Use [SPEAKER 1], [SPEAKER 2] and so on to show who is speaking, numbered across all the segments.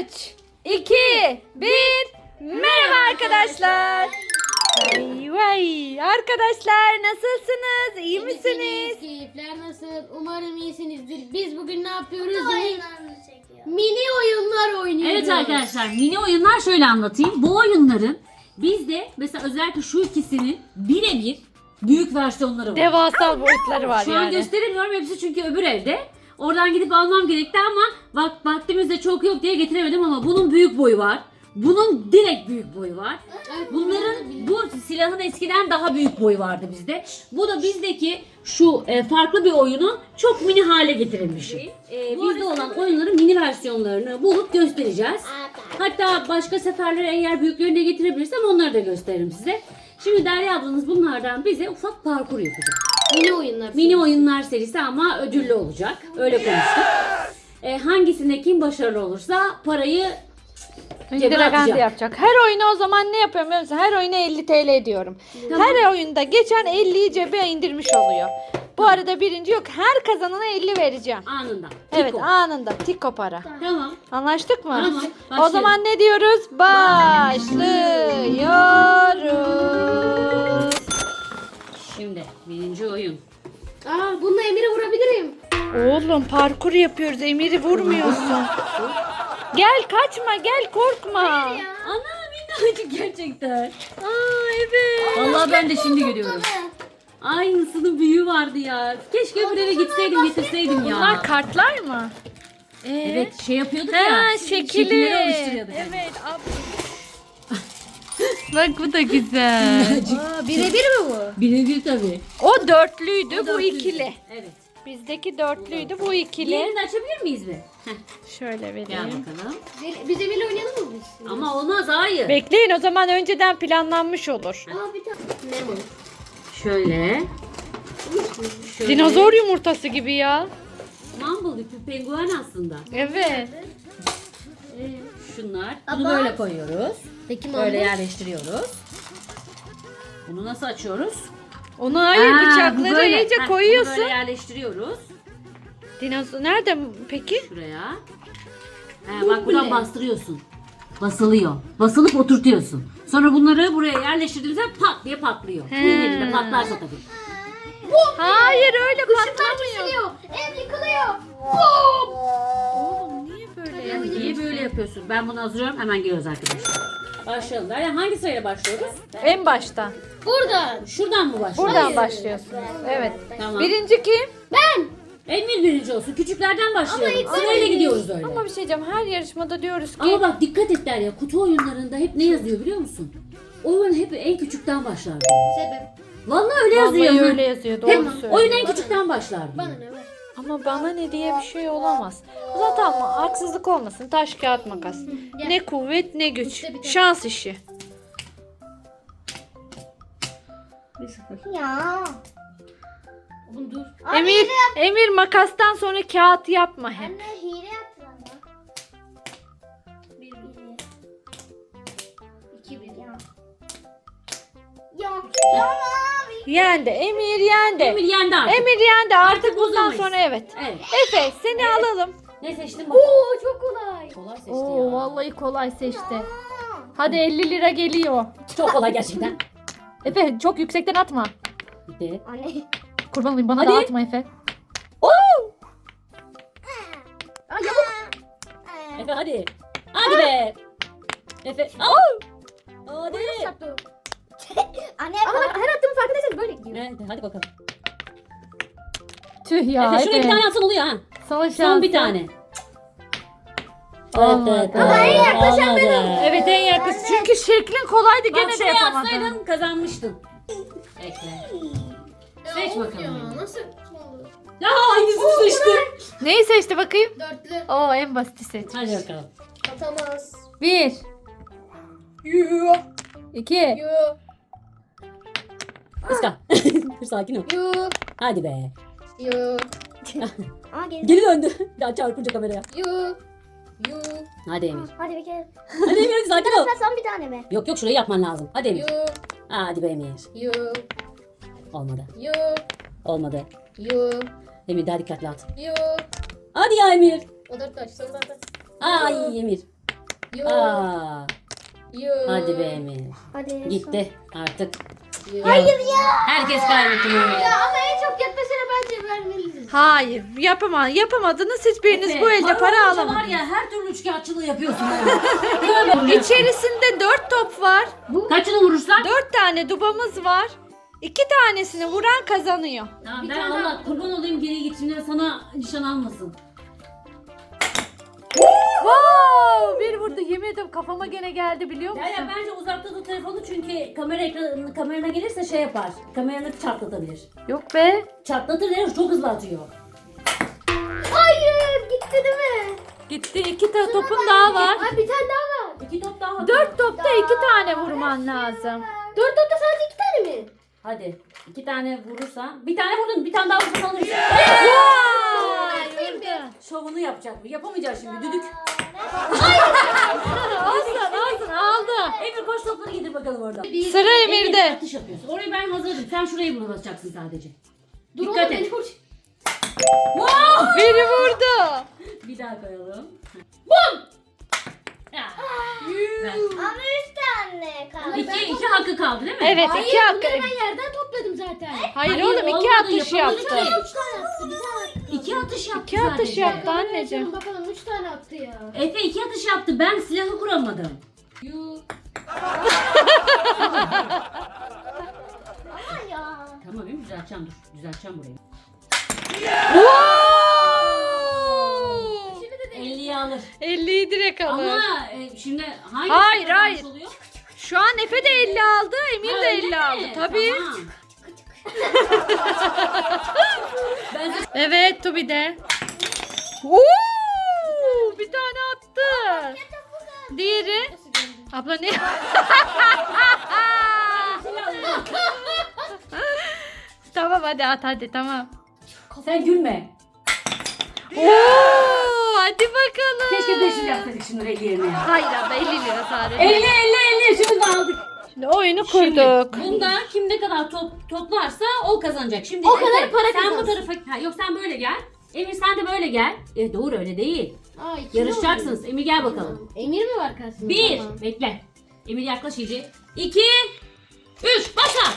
[SPEAKER 1] 3, 2, 1. Merhaba arkadaşlar. Vay arkadaşlar, nasılsınız? İyi misiniz?
[SPEAKER 2] Keyifler nasıl? Umarım iyisinizdir. Biz bugün ne yapıyoruz?
[SPEAKER 3] Oyunlarımızı çekiyor.
[SPEAKER 2] Mini oyunlar oynuyoruz.
[SPEAKER 4] Evet arkadaşlar, mini oyunlar şöyle anlatayım. Bu oyunların bizde mesela özellikle şu ikisinin birebir büyük versiyonları var.
[SPEAKER 1] Devasa boyutları var
[SPEAKER 4] Şu an
[SPEAKER 1] yani.
[SPEAKER 4] gösteremiyorum hepsi çünkü öbür evde. Oradan gidip almam gerekti ama vaktimiz de çok yok diye getiremedim ama bunun büyük boyu var. Bunun direkt büyük boyu var. Bunların bu silahın eskiden daha büyük boyu vardı bizde. Bu da bizdeki şu farklı bir oyunun çok mini hale getirilmiş. Bizde olan oyunların mini versiyonlarını bulup göstereceğiz. Hatta başka seferlere eğer büyüklerini de getirebilirsem onları da gösteririm size. Şimdi Derya ablanız bunlardan bize ufak parkur yapacak.
[SPEAKER 2] Mini oyunlar.
[SPEAKER 4] Mini oyunlar serisi ama ödüllü olacak. Öyle konuştuk. Hangisinde kim başarılı olursa parayı cebe
[SPEAKER 1] Dragan
[SPEAKER 4] atacak.
[SPEAKER 1] yapacak. Her oyuna o zaman ne yapıyorum biliyor musun? Her oyuna 50 TL ediyorum.
[SPEAKER 4] Tamam.
[SPEAKER 1] Her oyunda geçen 50'yi cebe indirmiş oluyor. Bu arada birinci yok. Her kazanana 50 vereceğim.
[SPEAKER 4] Anında.
[SPEAKER 1] Evet,
[SPEAKER 4] Tiko.
[SPEAKER 1] anında tiko para.
[SPEAKER 4] Tamam.
[SPEAKER 1] Anlaştık mı?
[SPEAKER 4] Tamam,
[SPEAKER 1] O
[SPEAKER 4] başlayalım.
[SPEAKER 1] zaman ne diyoruz? Başlıyoruz.
[SPEAKER 4] Şimdi birinci oyun.
[SPEAKER 2] Bununla Emir'e vurabilirim.
[SPEAKER 1] Oğlum parkur yapıyoruz. Emir'i vurmuyorsun. Gel, kaçma, gel, korkma.
[SPEAKER 4] Ana minnacık gerçekten.
[SPEAKER 1] Evet.
[SPEAKER 4] Vallahi ben de şimdi görüyorum. Aynısının büyüğü vardı ya. Keşke öbür eve gitseydim getirseydim ya.
[SPEAKER 1] Bunlar kartlar mı?
[SPEAKER 4] Evet şey yapıyorduk
[SPEAKER 1] Ha,
[SPEAKER 4] ya.
[SPEAKER 1] şekilli.
[SPEAKER 4] Şekilleri oluşturuyorduk.
[SPEAKER 1] Evet. Bak bu da güzel.
[SPEAKER 2] Birebir mi bu?
[SPEAKER 4] Birebir tabii.
[SPEAKER 1] O dörtlüydü, bu
[SPEAKER 4] Dörtlü.
[SPEAKER 1] ikili.
[SPEAKER 4] Evet.
[SPEAKER 1] Bizdeki dörtlüydü, bu ikili.
[SPEAKER 4] Diğerini de açabilir miyiz bir? Heh,
[SPEAKER 1] Şöyle
[SPEAKER 4] gel
[SPEAKER 1] vereyim.
[SPEAKER 4] bakalım.
[SPEAKER 2] Biz Emir'le oynayalım mı biz?
[SPEAKER 4] Ama olmaz hayır.
[SPEAKER 1] Bekleyin, o zaman önceden planlanmış olur.
[SPEAKER 2] Bir tane. Lemon.
[SPEAKER 4] Şöyle. Şöyle.
[SPEAKER 1] Dinozor yumurtası gibi ya.
[SPEAKER 4] Mumble bir penguen aslında.
[SPEAKER 1] Evet.
[SPEAKER 4] Şunlar. Bunu böyle koyuyoruz.
[SPEAKER 2] Peki
[SPEAKER 4] Böyle yerleştiriyoruz. Bunu nasıl açıyoruz?
[SPEAKER 1] Onu hayır,
[SPEAKER 4] Aa, bu
[SPEAKER 1] bıçakları
[SPEAKER 4] böyle.
[SPEAKER 1] iyice
[SPEAKER 4] Heh,
[SPEAKER 1] koyuyorsun.
[SPEAKER 4] Bunu böyle yerleştiriyoruz.
[SPEAKER 1] Dinozor nerede peki?
[SPEAKER 4] Şuraya. Bak buradan bastırıyorsun. Basılıyor. Basılıp oturtuyorsun. Sonra bunları buraya yerleştirdiğimizde pat diye patlıyor. Elinde patlarsa tabii.
[SPEAKER 1] Hayır, öyle patlamıyor.
[SPEAKER 2] Ev yıkılıyor.
[SPEAKER 1] Oğlum niye böyle yapıyorsun?
[SPEAKER 4] Niye böyle yapıyorsun? Ben bunu hazırlıyorum. Hemen geliyoruz arkadaşlar. Başlayalım. Yani hangi sırayla başlıyoruz?
[SPEAKER 1] En baştan.
[SPEAKER 2] Buradan.
[SPEAKER 4] Şuradan mı başlıyoruz?
[SPEAKER 1] Buradan başlıyorsunuz. Evet.
[SPEAKER 4] Tamam.
[SPEAKER 1] Birinci kim?
[SPEAKER 4] Emir birinci olsun. Küçüklerden başlayalım. Sırayla gidiyoruz öyle.
[SPEAKER 1] Ama bir şey diyeceğim. Her yarışmada diyoruz ki
[SPEAKER 4] Ama bak dikkat et Derya. Kutu oyunlarında hep ne yazıyor biliyor musun? Oyun hep en küçükten başlar diyor.
[SPEAKER 2] Sebep.
[SPEAKER 4] Vallahi öyle yazıyor.
[SPEAKER 1] vallahi
[SPEAKER 4] ha.
[SPEAKER 1] öyle yazıyor.
[SPEAKER 4] Hep
[SPEAKER 1] Doğru söylüyor.
[SPEAKER 4] oyun en küçükten başlar diyor.
[SPEAKER 2] Bana ne var?
[SPEAKER 1] Ama bana ne diye bir şey olamaz. Zaten ama haksızlık olmasın. Taş kağıt makas. Ne kuvvet ne güç.
[SPEAKER 2] İşte bir tane.
[SPEAKER 1] Şans işi.
[SPEAKER 3] Ya.
[SPEAKER 2] Oğlum dur.
[SPEAKER 1] Emir makastan sonra kağıt yapma hep.
[SPEAKER 3] Anne hile yaptın ama. Bir.
[SPEAKER 2] 2 1.
[SPEAKER 3] Ya. Yok. Tamam.
[SPEAKER 1] Yendi. Emir yendi.
[SPEAKER 4] Emir yendi artık.
[SPEAKER 1] Emir yendi. Artık bundan
[SPEAKER 4] bozamayız.
[SPEAKER 1] sonra evet.
[SPEAKER 4] Evet.
[SPEAKER 1] Efe seni alalım.
[SPEAKER 4] Ne seçtin bakalım?
[SPEAKER 2] Oo çok kolay.
[SPEAKER 4] Kolay seçti
[SPEAKER 1] Oo
[SPEAKER 4] ya.
[SPEAKER 1] vallahi kolay seçti. Hadi 50 lira geliyor.
[SPEAKER 4] Çok kolay gerçekten.
[SPEAKER 1] Efe çok yüksekten atma.
[SPEAKER 4] Bitti.
[SPEAKER 3] Anne.
[SPEAKER 1] Kurban olayım, bana
[SPEAKER 4] Hadi.
[SPEAKER 1] da atma Efe.
[SPEAKER 4] Efe hadi. Hadi be. Efe. Al. Hadi.
[SPEAKER 2] Yaptı.
[SPEAKER 3] Anne.
[SPEAKER 2] Ama bak her attığımın farkındaysanız böyle gidiyor.
[SPEAKER 4] Evet, hadi bakalım.
[SPEAKER 1] Tüh ya
[SPEAKER 4] Efe şuraya bir tane atsan oluyor ha.
[SPEAKER 1] Son şans.
[SPEAKER 4] Son bir tane.
[SPEAKER 1] Olmadı.
[SPEAKER 4] Ama en yaklaşan benim.
[SPEAKER 1] Evet en yakın. Çünkü şeklin kolaydı, gene
[SPEAKER 4] Bak
[SPEAKER 1] de
[SPEAKER 4] şuraya
[SPEAKER 1] yapamadın.
[SPEAKER 4] atsaydın kazanmıştın. Bekle. Seç bakalım.
[SPEAKER 2] Ya nasıl?
[SPEAKER 4] Ya aynısını seçtim.
[SPEAKER 1] Neyi seçti bakayım?
[SPEAKER 2] Dörtlü.
[SPEAKER 1] Oo en basiti seç.
[SPEAKER 4] Hadi bakalım.
[SPEAKER 2] Atamaz.
[SPEAKER 1] 1
[SPEAKER 2] Yoo.
[SPEAKER 1] 2
[SPEAKER 2] Yoo.
[SPEAKER 4] Iska. Dur sakin ol.
[SPEAKER 2] Yoo.
[SPEAKER 4] Hadi be.
[SPEAKER 2] Yoo.
[SPEAKER 3] Aa geri.
[SPEAKER 4] Geri döndü. Daha çarpınca kameraya.
[SPEAKER 2] Yoo. Yoo.
[SPEAKER 4] Hadi Emir.
[SPEAKER 3] Hadi bir kere.
[SPEAKER 4] Hadi Emir hadi sakin ol.
[SPEAKER 3] Sen son bir tane mi?
[SPEAKER 4] Yok yok şurayı yapman lazım. Hadi Emir.
[SPEAKER 2] Yoo.
[SPEAKER 4] Hadi be Emir.
[SPEAKER 2] Yoo.
[SPEAKER 4] Olmadı.
[SPEAKER 2] Yoo.
[SPEAKER 4] Olmadı.
[SPEAKER 2] Yoo.
[SPEAKER 4] Emir daha dikkatli at.
[SPEAKER 2] Yoo.
[SPEAKER 4] Hadi ya Emir.
[SPEAKER 2] O 4 taş. Son 4 taş.
[SPEAKER 4] Ay Emir.
[SPEAKER 2] Yo.
[SPEAKER 4] Aa,
[SPEAKER 2] Yo.
[SPEAKER 4] hadi be Emir.
[SPEAKER 3] Hadi.
[SPEAKER 4] Gitti artık.
[SPEAKER 2] Yo.
[SPEAKER 3] Hayır ya.
[SPEAKER 4] Herkes kaybetti Emir.
[SPEAKER 2] Ya ama en çok yaklaşana bence vermeliyiz.
[SPEAKER 1] Hayır yapamadınız hiçbiriniz
[SPEAKER 4] Efe,
[SPEAKER 1] bu elde para
[SPEAKER 4] olunca var
[SPEAKER 1] alamadınız.
[SPEAKER 4] ya her türlü üçkağıtçılığı yapıyorsun ya.
[SPEAKER 1] İçerisinde 4 top var.
[SPEAKER 4] Kaçını vurursak?
[SPEAKER 1] 4 tane dubamız var. 2 tanesini vuran kazanıyor.
[SPEAKER 4] Tamam,
[SPEAKER 2] Bir
[SPEAKER 4] ben
[SPEAKER 2] tane
[SPEAKER 4] Allah
[SPEAKER 2] daha.
[SPEAKER 4] kurban olayım geri git şimdi sana nişan almasın.
[SPEAKER 1] Wow! Bir vurdu yemin ederim kafama gene geldi biliyor musun?
[SPEAKER 4] Ya bence uzakta tut telefonu çünkü kamerana gelirse şey yapar. Kameranı çatlatabilir.
[SPEAKER 1] Yok be.
[SPEAKER 4] Çatlatır değil mi? Çok hızlı atıyor.
[SPEAKER 2] Hayır gitti değil mi?
[SPEAKER 1] Gitti 2 topun daha var.
[SPEAKER 2] Ay bir tane daha var.
[SPEAKER 4] 2 top daha var.
[SPEAKER 1] 4 topta 2 tane vurman lazım.
[SPEAKER 2] 4 topta sadece 2 tane mi?
[SPEAKER 4] Hadi 2 tane vurursan. Bir tane vurdun, bir tane daha vurursan alırsın.
[SPEAKER 1] Vay! Vurdu.
[SPEAKER 4] Şovunu yapacak bu. Yapamayacağız şimdi. Düdük.
[SPEAKER 1] Olsun aldı.
[SPEAKER 4] Emir koş topları getir bakalım orada.
[SPEAKER 1] Sıra Emir'de.
[SPEAKER 4] Atış yapıyorsun. Orayı ben hazırladım. Sen şurayı basacaksın sadece.
[SPEAKER 2] Dur
[SPEAKER 4] Dikkat
[SPEAKER 2] oğlum,
[SPEAKER 4] et.
[SPEAKER 2] beni vur.
[SPEAKER 4] Wow!
[SPEAKER 1] Biri vurdu.
[SPEAKER 4] Bir daha koyalım. Bum! Ya. Ver.
[SPEAKER 3] Ama 3 tane kaldı.
[SPEAKER 4] İki hakkı kaldı değil mi?
[SPEAKER 1] Evet
[SPEAKER 2] Hayır
[SPEAKER 1] 2 hakkı.
[SPEAKER 2] bunları ben yerden topladım zaten.
[SPEAKER 1] Hayır oğlum 2
[SPEAKER 4] olmadı,
[SPEAKER 1] atış
[SPEAKER 4] yapamadı
[SPEAKER 1] yaptı.
[SPEAKER 4] ki.
[SPEAKER 2] 3 tane attı bir tane.
[SPEAKER 4] 2 atış yaptı
[SPEAKER 1] 2 atış
[SPEAKER 4] sadece.
[SPEAKER 1] yaptı anneciğim.
[SPEAKER 2] Bakalım 3 tane attı ya.
[SPEAKER 4] Efe 2 atış yaptı. Ben silahı kuramadım.
[SPEAKER 2] Yuh.
[SPEAKER 3] Ama ya.
[SPEAKER 4] Tamam değil mi? Düzelteceğim dur. Düzelteceğim burayı.
[SPEAKER 1] Wow!
[SPEAKER 2] Şimdi de değil.
[SPEAKER 4] 50'yi alır.
[SPEAKER 1] 50'yi direkt alır.
[SPEAKER 4] Ama şimdi hangi
[SPEAKER 1] Hayır,
[SPEAKER 4] kazanmış
[SPEAKER 1] hayır.
[SPEAKER 4] oluyor?
[SPEAKER 1] Şu an Efe de 50 aldı, Emir
[SPEAKER 4] Ha,
[SPEAKER 1] de
[SPEAKER 4] öyle
[SPEAKER 1] 50
[SPEAKER 4] mi?
[SPEAKER 1] aldı. Tabii.
[SPEAKER 4] Tamam. Ben de
[SPEAKER 1] Evet Tubi de. Oo! Bir tane attı. Diğeri. Abla ne? Tamam hadi tamam.
[SPEAKER 4] sen gülme.
[SPEAKER 1] Oo! Hadi bakalım.
[SPEAKER 4] Keşke 500 yapsaydık şimdi 50 yerine.
[SPEAKER 1] Hayır abla 50 lira sadece.
[SPEAKER 4] 50 şimdi de aldık.
[SPEAKER 1] Şimdi oyunu
[SPEAKER 4] Şimdi
[SPEAKER 1] kurduk.
[SPEAKER 4] bunda kim ne kadar toplarsa o kazanacak. Şimdi
[SPEAKER 2] O kadar
[SPEAKER 4] Efe,
[SPEAKER 2] para
[SPEAKER 4] sen bu
[SPEAKER 2] kazansın.
[SPEAKER 4] tarafa yok sen böyle gel. Emir sen de böyle gel. Doğru öyle değil.
[SPEAKER 2] Aa, iki
[SPEAKER 4] Yarışacaksınız.
[SPEAKER 2] oldu.
[SPEAKER 4] Emir gel bakalım.
[SPEAKER 2] Emir mi var karşısında?
[SPEAKER 4] 1
[SPEAKER 2] Tamam.
[SPEAKER 4] bekle. Emir yaklaş iyice. 2 3 başla.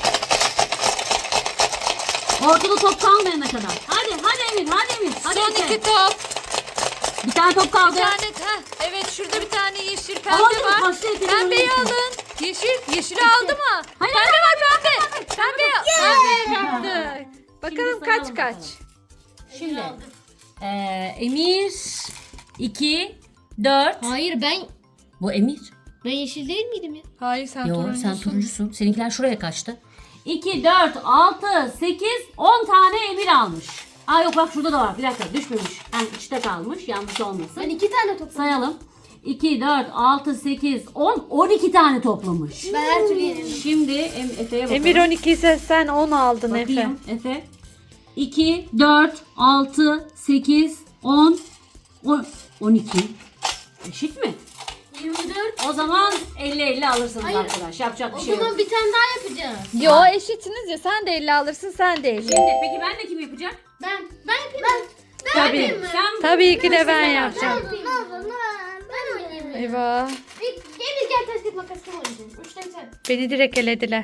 [SPEAKER 4] Ortada top kalmayana kadar. Hadi Emir hadi Emir. Hadi
[SPEAKER 1] Son
[SPEAKER 4] Efe.
[SPEAKER 1] 2 top.
[SPEAKER 4] Bir tane top kaldı.
[SPEAKER 1] Bir tane, evet şurada bir tane yeşil pembe
[SPEAKER 4] Aldım,
[SPEAKER 1] var.
[SPEAKER 4] kaçtı Efe'nin
[SPEAKER 1] Pembeyi
[SPEAKER 4] önüne.
[SPEAKER 1] alın. Yeşili aldı mı?
[SPEAKER 4] Hayır,
[SPEAKER 1] Pembe var pembe. Pembe yaptı. Bakalım
[SPEAKER 4] Şimdi
[SPEAKER 1] kaç
[SPEAKER 4] sayalım
[SPEAKER 1] kaç.
[SPEAKER 4] bakalım. Şimdi Emir 2 4
[SPEAKER 2] Hayır
[SPEAKER 4] Bu Emir.
[SPEAKER 2] ben yeşil değil miydim ya?
[SPEAKER 1] Hayır sen
[SPEAKER 4] Yo sen turuncusun. Seninkiler şuraya kaçtı. 2, 4, 6, 8, 10 tane Emir almış. Aa yok bak şurada da var. Bir dakika düşmemiş. Yani içte kalmış. Yanlış olmasın.
[SPEAKER 2] Ben 2 tane topladım.
[SPEAKER 4] Sayalım. 2, 4, 6, 8, 10, 12 tane toplamış.
[SPEAKER 2] Ben her türlü yenerim.
[SPEAKER 4] Şimdi Efe'ye bakalım.
[SPEAKER 1] Emir 12 ise sen 10 aldın Efe.
[SPEAKER 4] Bakayım Efe. 2, 4, 6, 8, 10, 12. Eşit mi?
[SPEAKER 2] 24.
[SPEAKER 4] O zaman 50-50 alırsınız
[SPEAKER 2] Hayır.
[SPEAKER 4] arkadaş. Yapacak
[SPEAKER 2] O
[SPEAKER 4] bir şey yok.
[SPEAKER 2] zaman bir tane daha yapacağız.
[SPEAKER 1] Yo eşitsiniz ya sen de 50 alırsın sen de 50.
[SPEAKER 4] Şimdi peki ben de kim yapacak?
[SPEAKER 2] Ben yapayım. Ben
[SPEAKER 1] Tabii.
[SPEAKER 2] yapayım mı?
[SPEAKER 4] Sen
[SPEAKER 1] Tabii ki de ben
[SPEAKER 2] Ben
[SPEAKER 1] yapacağım.
[SPEAKER 2] yapayım. Ben oynayayım.
[SPEAKER 1] Eyvah.
[SPEAKER 2] Gel ters git makas kim oynayacağız? 3'te sen.
[SPEAKER 1] Beni direkt elediler.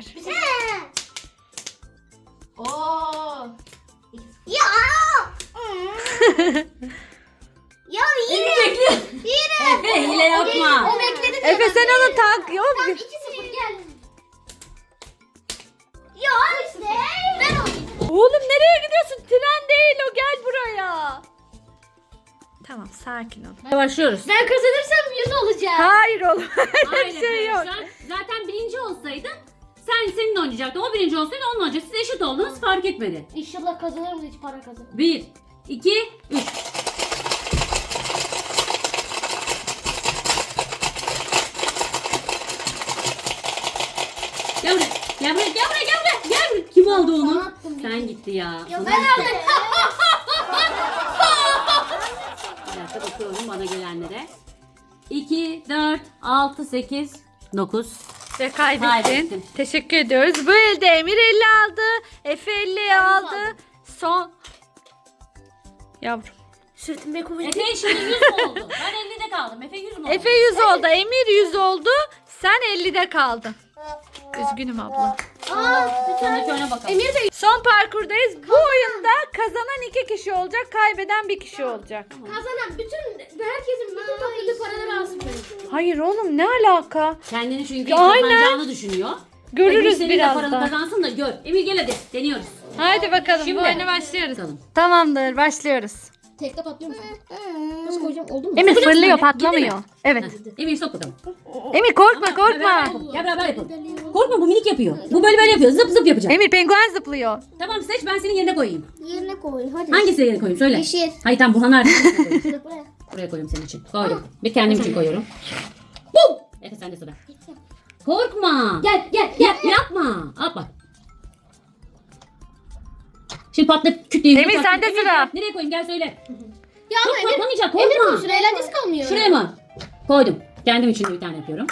[SPEAKER 2] Oo.
[SPEAKER 3] Ya. Ya yine.
[SPEAKER 4] Efe hile yapma.
[SPEAKER 2] O bekledi.
[SPEAKER 1] Efe sen onu tak. Yok.
[SPEAKER 2] 2-0 gel.
[SPEAKER 3] Ya işte.
[SPEAKER 2] Ben oynayayım.
[SPEAKER 1] Oğlum nereye gidiyorsun? Tren değil o gel buraya. Tamam sakin ol.
[SPEAKER 4] Başlıyoruz.
[SPEAKER 2] Ben kazanırsam 100 olacağım.
[SPEAKER 1] Hayır oğlum. Öyle
[SPEAKER 4] Aynen
[SPEAKER 1] bir şey yok.
[SPEAKER 4] arkadaşlar. Zaten birinci olsaydın seninle oynayacaktın. O birinci olsaydı onunla oynayacak. Siz eşit oldunuz fark etmedi.
[SPEAKER 2] İnşallah kazanırım da hiç para kazanırım.
[SPEAKER 4] 1, 2, 3. Gel buraya. Gel buraya. Gel buraya. Gel buraya. Gel buraya. Kim aldı onu?
[SPEAKER 2] Sana attım.
[SPEAKER 4] Sen gitti ya.
[SPEAKER 3] Ya
[SPEAKER 4] Sana
[SPEAKER 3] ben
[SPEAKER 4] gitti.
[SPEAKER 3] aldım.
[SPEAKER 4] Bir dakika bakıyorum bana gelenlere. 2, 4, 6, 8, 9.
[SPEAKER 1] Ve kaybettin.
[SPEAKER 4] Kaybettim.
[SPEAKER 1] Teşekkür ediyoruz. Bu elde Emir 50 aldı. Efe 50 aldı. Son. Yavrum.
[SPEAKER 2] Sırtımda kuvvetli.
[SPEAKER 4] Efe şimdi 100 mu oldu? Ben 50'de kaldım. Efe 100 mü oldu?
[SPEAKER 1] Efe 100 oldu. Emir 100 oldu. Sen 50'de kaldın. Üzgünüm abla.
[SPEAKER 4] Sonraki oyuna bakalım.
[SPEAKER 2] Emir de
[SPEAKER 1] Son parkurdayız. Bu oyunda kazanan 2 kişi olacak. Kaybeden 1 kişi olacak.
[SPEAKER 2] kazanan herkesin bütün topladığı paraları alsın.
[SPEAKER 1] Hayır oğlum, ne alaka?
[SPEAKER 4] Kendini çünkü
[SPEAKER 1] Ya aynen.
[SPEAKER 4] kazanacağını düşünüyor.
[SPEAKER 1] Görürüz
[SPEAKER 4] Emir senin de paranı
[SPEAKER 1] birazdan.
[SPEAKER 4] kazansın da gör. Emir gel hadi. Deniyoruz.
[SPEAKER 1] Hadi bakalım.
[SPEAKER 4] Şimdi.
[SPEAKER 1] Bu oyuna başlıyoruz.
[SPEAKER 4] Bakalım.
[SPEAKER 1] Tamamdır, başlıyoruz.
[SPEAKER 2] Tekte patlıyor musun? Nasıl koyacağım? Oldu mu?
[SPEAKER 1] Emir
[SPEAKER 4] Fırlatın
[SPEAKER 1] fırlıyor,
[SPEAKER 4] hadi.
[SPEAKER 1] patlamıyor.
[SPEAKER 4] Gitti mi?
[SPEAKER 1] Evet.
[SPEAKER 4] Heh, Emir sok bakalım.
[SPEAKER 1] Emir korkma,
[SPEAKER 4] Beraber
[SPEAKER 1] korkma.
[SPEAKER 4] yapalım. Gel beraber yapalım. Korkma, bu minik yapıyor. Bu böyle yapıyor. Zıp zıp yapacak.
[SPEAKER 1] Emir penguen zıplıyor.
[SPEAKER 4] Tamam, seç, ben senin yerine koyayım.
[SPEAKER 3] Yerine koy. Hadi.
[SPEAKER 4] Hangisine yerine koyayım söyle.
[SPEAKER 3] Yeşil.
[SPEAKER 4] Hayır tamam, Burhan nerede?
[SPEAKER 3] Buraya.
[SPEAKER 4] Buraya koyuyorum senin için. Koydum. Bir kendim için koyuyorum. Bum! Efe sende sıra. Korkma.
[SPEAKER 2] Gel.
[SPEAKER 4] Yapma. Al bak. Şimdi patlat kütleyi.
[SPEAKER 1] Emir, sende sıra.
[SPEAKER 4] Nereye koyayım, gel söyle.
[SPEAKER 2] Ya
[SPEAKER 4] Çok
[SPEAKER 2] ama
[SPEAKER 4] patlamayacak,
[SPEAKER 2] Emir
[SPEAKER 4] korkma.
[SPEAKER 2] koysun. Eğlencesi kalmıyor.
[SPEAKER 4] Şuraya mı? Koydum. Kendim için de bir tane yapıyorum.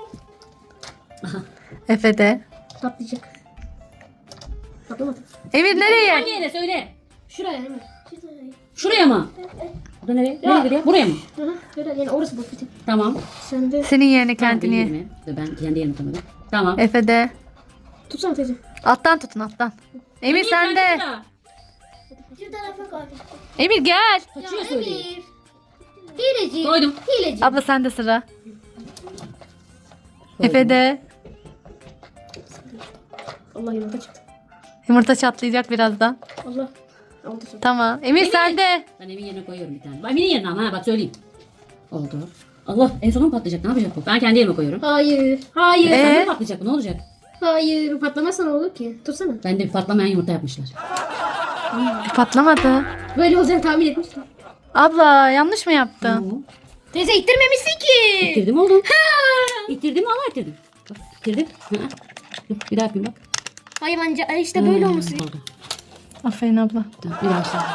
[SPEAKER 1] Efe de.
[SPEAKER 2] Patlayacak. Patlamadı.
[SPEAKER 1] Emir nereye?
[SPEAKER 4] Hangi yere söyle.
[SPEAKER 2] Şuraya Emir.
[SPEAKER 4] Şuraya mı? Bu da nereye? Nereye gidiyor? Buraya mı?
[SPEAKER 2] Hı hı. Şöyle yani orası boş bitti.
[SPEAKER 4] Tamam.
[SPEAKER 2] Sen de
[SPEAKER 1] Senin yerine
[SPEAKER 4] Tamam, benim
[SPEAKER 1] kendini.
[SPEAKER 4] yerime. Dur, ben kendi yerime koymadım. Tamam.
[SPEAKER 1] Efe de.
[SPEAKER 2] tutsana teyze.
[SPEAKER 1] Alttan tutun, alttan. Emir sen de.
[SPEAKER 4] sıra.
[SPEAKER 3] Şu tarafa koy.
[SPEAKER 1] Emir gel.
[SPEAKER 4] Kaçıyor söyleyeyim.
[SPEAKER 2] Hileci.
[SPEAKER 4] Koydum.
[SPEAKER 2] Hileci.
[SPEAKER 1] Abla sen de sıra.
[SPEAKER 4] Koydum.
[SPEAKER 1] Efe de.
[SPEAKER 2] Allah yumurta çıktı.
[SPEAKER 1] Yumurta çatlayacak birazdan.
[SPEAKER 2] Allah. Aldı sonra.
[SPEAKER 1] Tamam. Emir sen de.
[SPEAKER 4] Ben Emin yerine koyuyorum bir tane. Bak Emin'in yerine ama ha, bak söyleyeyim. Oldu. Allah, en sonunda patlayacak. Ne yapacak bu? Ben kendi yerime koyuyorum.
[SPEAKER 2] Hayır. Hayır.
[SPEAKER 4] Sen de patlayacak bu, ne olacak?
[SPEAKER 2] Hayır. Patlamazsa ne olur ki? Tutsana.
[SPEAKER 4] Ben de bir patlamayan yumurta yapmışlar.
[SPEAKER 1] Patlamadı.
[SPEAKER 2] Böyle olacağını tahmin etmiştim.
[SPEAKER 1] Abla yanlış mı yaptın?
[SPEAKER 2] Teyze ittirmemişsin ki.
[SPEAKER 4] İttirdim oğlum. İttirdim, Allah ittirdim. Bak, İttirdim. Hı. Dur, bir daha yapayım bak.
[SPEAKER 2] Hayvanca işte böyle olması.
[SPEAKER 4] Oldu.
[SPEAKER 1] Aferin abla.
[SPEAKER 4] Dur, bir daha işte.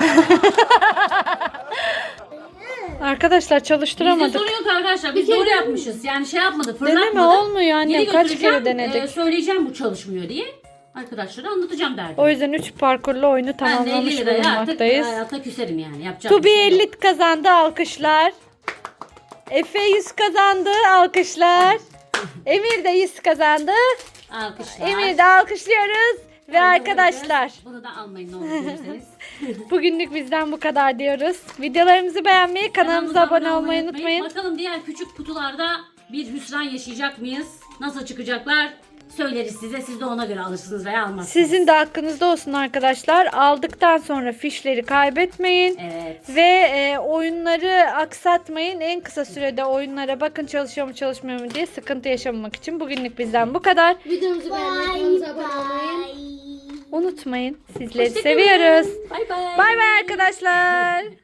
[SPEAKER 1] Arkadaşlar
[SPEAKER 4] Bizde
[SPEAKER 1] çalıştıramadık.
[SPEAKER 4] sorun yok arkadaşlar. Biz doğru yapmışız. Yani şey yapmadı, fırlatmadı.
[SPEAKER 1] Deneme olmuyor annem.
[SPEAKER 4] Geri
[SPEAKER 1] Kaç
[SPEAKER 4] götüreceğim,
[SPEAKER 1] kere denedik.
[SPEAKER 4] söyleyeceğim bu çalışmıyor diye. Arkadaşlara anlatacağım derdim.
[SPEAKER 1] O yüzden 3 parkurlu oyunu
[SPEAKER 4] Ben de
[SPEAKER 1] tamamlamış
[SPEAKER 4] 50 liraya artık
[SPEAKER 1] bulunmaktayız.
[SPEAKER 4] hayata küserim yani. Yapacağım.
[SPEAKER 1] Tubi 50 kazandı, alkışlar. Efe 100 kazandı, alkışlar. Emir de 100 kazandı.
[SPEAKER 4] Alkışlar.
[SPEAKER 1] Emir de alkışlıyoruz. Ve arkadaşlar
[SPEAKER 4] Bunu da almayın ne olur bilirseniz.
[SPEAKER 1] bugünlük bizden bu kadar diyoruz. Videolarımızı beğenmeyi, kanalımıza abone olmayı unutmayın.
[SPEAKER 4] Bakalım diğer küçük kutularda bir hüsran yaşayacak mıyız? Nasıl çıkacaklar? Söyleriz size. Siz de ona göre alırsınız veya almazsınız.
[SPEAKER 1] Sizin de hakkınızda olsun arkadaşlar. Aldıktan sonra fişleri kaybetmeyin.
[SPEAKER 4] Evet.
[SPEAKER 1] Ve oyunları aksatmayın. En kısa sürede oyunlara bakın, çalışıyor mu çalışmıyor mu diye sıkıntı yaşamamak için. Bugünlük bizden bu kadar.
[SPEAKER 2] Videomuzu beğenmeyi, kanalımıza abone olmayı.
[SPEAKER 1] Unutmayın. Sizleri seviyoruz.
[SPEAKER 4] Bay bay.
[SPEAKER 1] Bay bay arkadaşlar.